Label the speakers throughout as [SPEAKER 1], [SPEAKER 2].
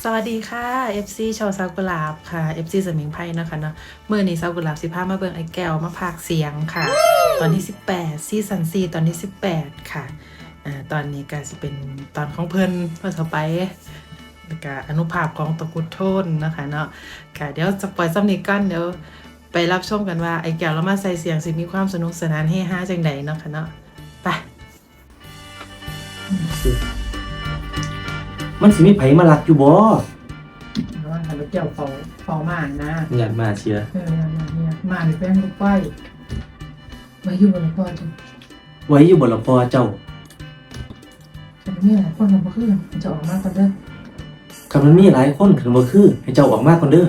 [SPEAKER 1] สวัสดีค่ะ FC ชาวซากุหลาบค่ะ FC สมิงไพ่นะคะเนาะเมื่อนี้ซากุหลาบ15มาเบิ่งไอ้แก้วมาพากเสียงค่ะ ตอนที่18ซีซั่น4ตอนที่18ค่ะตอนนี้ก็จะเป็นตอนของเพิ่นเพื่อต่อไปแล้วก็อนุภาพของตะกุดโทนนะคะเนาะค่ะเดี๋ยวจะปล่อยซ้ำนี้กันเดี๋ยวไปรับชมกันว่าไอ้แก้วเรามาใส่เสียงสิมีความสนุกสนานเฮฮาจังใดเนาะค่ะเนาะไป
[SPEAKER 2] มันสิมีไผมาลักอยู่บ่
[SPEAKER 1] ว่าไอ้แก้วเฝ้ามากนะ
[SPEAKER 2] อยากมาเชียร์
[SPEAKER 1] มาในแป้งลูกป้ายมาอยู่บนป้ายจ้ะ
[SPEAKER 2] ไว้อยู่บ่ละพอเจ้า
[SPEAKER 1] แต่ไม่หลายคนทำมาขึ้นจะออกมาก่อนเด้อ
[SPEAKER 2] คันมันมีหลายคนคันบ่คือให้เจ้าออกมาก่อนเด้อ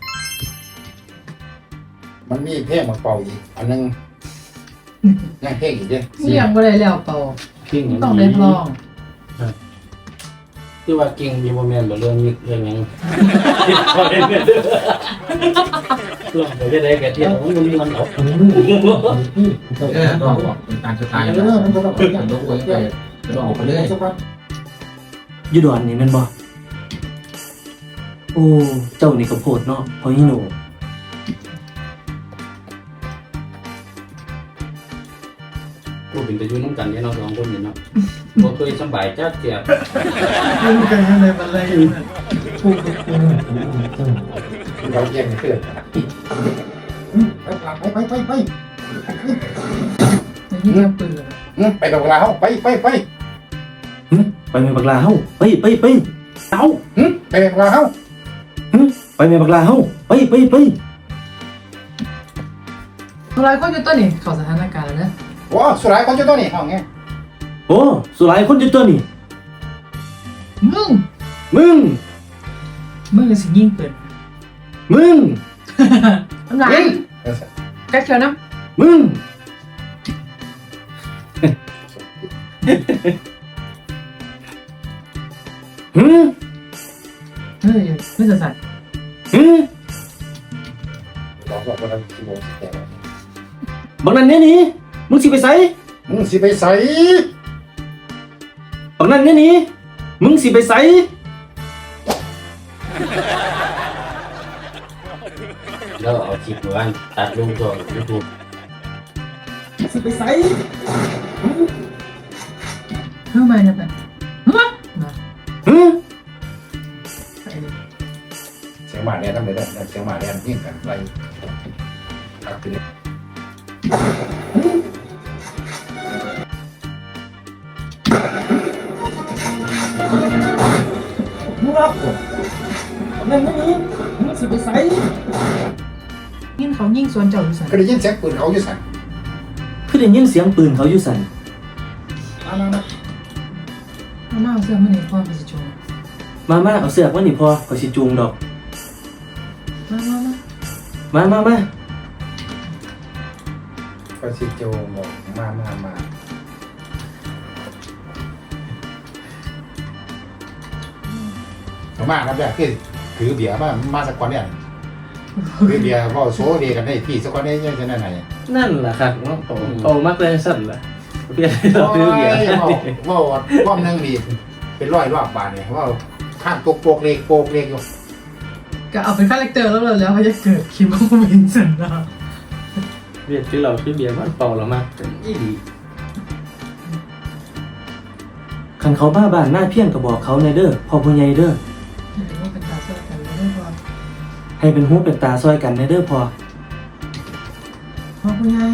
[SPEAKER 3] มันมีเพลงมาเป่าอีกอันนึงยังเพลงอีกเด้
[SPEAKER 1] นี่ยังไม่ได้แล้วเป่า
[SPEAKER 2] เก่ง
[SPEAKER 1] ต้องได้ลอง
[SPEAKER 2] คือว่าเก่งมีบ่แม่นบ่เรื่องนี้เรื่องหยังลองไปได้แก่เที่ยวมันมีมันออก
[SPEAKER 3] ต้องออกเป็นการสไตล์มันต้องเป็นอย่างโดยไปต้องออกไปเรื่อย
[SPEAKER 2] อยู่ดอนนี่แม่นบ่โอ้เจ้านี่ก็โพดเนาะพอฮีโน
[SPEAKER 4] พูดถึงจะอยู่น้ำกันเนี่ยเราสองคนเนี่ยเนาะบ่เคยสบายจักเจีย
[SPEAKER 1] รู้กันยังไงมันอะไรอยู่น่ะ
[SPEAKER 3] เราเยี่ยมเพื่อนไป
[SPEAKER 1] นี่ยังปืนเลย
[SPEAKER 3] ไปกับเราไป
[SPEAKER 2] ไปแม่บักลาเฮาไปเอ้า
[SPEAKER 3] ไปกับเรา
[SPEAKER 2] ไปแม่บักลาเฮาไป
[SPEAKER 1] ทำลายคนอยู่ต้นนี่เข้าสถานการณ์แล้วนะ
[SPEAKER 3] ว้าสุดท้ายคนจะต้องนี่เอาไง
[SPEAKER 2] โอ้สุหลายคนอยู่ตัวนี่
[SPEAKER 1] มึง
[SPEAKER 2] มึง
[SPEAKER 1] สิยิงปืน
[SPEAKER 2] มึง
[SPEAKER 1] ทำลายกัดเขียวน้
[SPEAKER 2] มึงหืม
[SPEAKER 1] เฮ้ยไม่จะสั่น
[SPEAKER 2] หืม
[SPEAKER 3] เราบอกว่าเราคิดว่าแต่
[SPEAKER 2] บักนั้นเนี่ยนี่มึงสิไปไส
[SPEAKER 3] มึงสิไปใส่
[SPEAKER 2] บักนั้นเนี่ยนี่มึงสิไปไส
[SPEAKER 4] แล้วเอาคลิปหมู่บ้านตัดลงตัว YouTube
[SPEAKER 2] สิไปไส
[SPEAKER 1] ทำไมนะแบบฮะ
[SPEAKER 2] หืม
[SPEAKER 3] เสียงหมาแดนทำไมได้เสียงหมาแดนยิ่งกันไปตัดไปเลย
[SPEAKER 2] มึงรับบักนั้นเนี่ยนี่มึงสิไปไส
[SPEAKER 1] ยิงเขายิงสวนเจ้าอยู่สั่น
[SPEAKER 3] ก็ได้ยินเสียงปืนเขาอยู่สั่น
[SPEAKER 2] คือได้ยินเสียงปืนเขาอยู่สั่น
[SPEAKER 1] เอาหน้าเสื้อมันในพ่อไปสิโจ
[SPEAKER 2] มาเอาเสือกมานี่พอเขาสิจูงดอก
[SPEAKER 1] มา
[SPEAKER 2] มา
[SPEAKER 3] ก็สิโจบอกมาครับแบบคือถือเบียร์มาสักคนเนี่ยถือเบียร์ว่าโซ่เดีกันได้พี่สักคนได้ยังจะนั่นไหน
[SPEAKER 2] นั่นแหละครับโตมากเลยสั่นล่ะเพี้ยนเราซื้อเบียร์
[SPEAKER 3] ว่านึงดีเป็นร้อยรอบบาทเนี่ยว่าข้างโปกเล็กอยู่
[SPEAKER 1] ก็เอาเป็นคาแรคเตอร์แล้วเขาจะเกิดคิมว่าวินสันนะ
[SPEAKER 2] เบียร์ที่เราซื้อเบียร์บ้านเปล่าเรามากเป็นอีดีคันเขาบ้าบ้านหน้าเพี้ยนก็บอกเขาในเด้อพ่อผู้ใหญ่เด้อ
[SPEAKER 1] ว่าเป็นตาเสื้อกันไม่ได้พอ
[SPEAKER 2] ให้เป็นหูเป็นตาซอยกันในเด้อพอ
[SPEAKER 1] พ่อผู้ใหญ่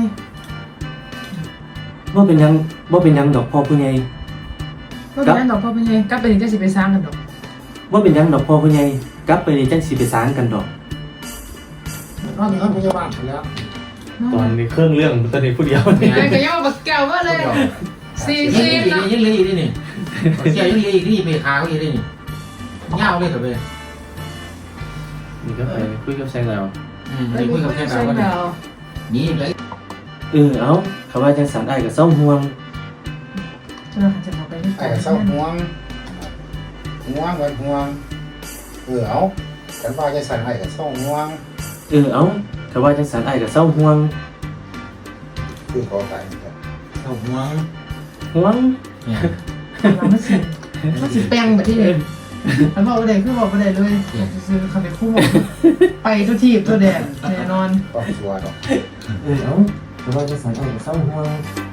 [SPEAKER 2] ว่าเป็นหยังดอกพ่อผู้ใหญ่
[SPEAKER 1] ก็เป็นนั่นดอกพ่อผู้ใหญ่ก็เป็นจะสิไปสร้างกันดอก
[SPEAKER 2] ว่าเป็นหยังดอกพ่อผู้ใหญ่กลับไปนี่จังสิไปสร้างกันดอก
[SPEAKER 3] นอนอยู่ห้องพยาบาลแล้ว
[SPEAKER 2] ตอนนี้เครื่องเรื่องตอนนี้ผู้เดียวนี่
[SPEAKER 1] ไอ้ก็ยังมาบักแก้วมาเลยซี
[SPEAKER 5] ยังเลยอีกนี่เสียยังเลยอีกนี่ไปหาเขาอีกนี่เงาเลยเถอะไป
[SPEAKER 2] นี่ก็ไปคุยกับแซงแล้ว
[SPEAKER 5] ไปคุยกับแค่เราก็ได้นี่เลย
[SPEAKER 2] เอาคำว่าจังสันอ้ายก็เศร้าห่วง
[SPEAKER 1] จะมาไปที่
[SPEAKER 3] ไอ้เศร้าห่วงเอาฉันว่าจะสั่นไอ้กับเศร้าห่วง
[SPEAKER 2] เอาคำว่าจังสันอ้ายก็เศร้าห่วง
[SPEAKER 3] คือขอตาย
[SPEAKER 5] เอาหัว
[SPEAKER 2] ห่วง
[SPEAKER 5] เนี่ย
[SPEAKER 1] มันสิแป้งแบบที่นี่อันบอกประเด็นคือบอกประเด็นเลยซื้อคาเฟ่คู่หมดไปทุกทีบตัวแดดแน่นอน
[SPEAKER 3] ต้องชัวร์เนาะ
[SPEAKER 2] เอ้าแต่ว่าจะใส่เอาเศร้าหัว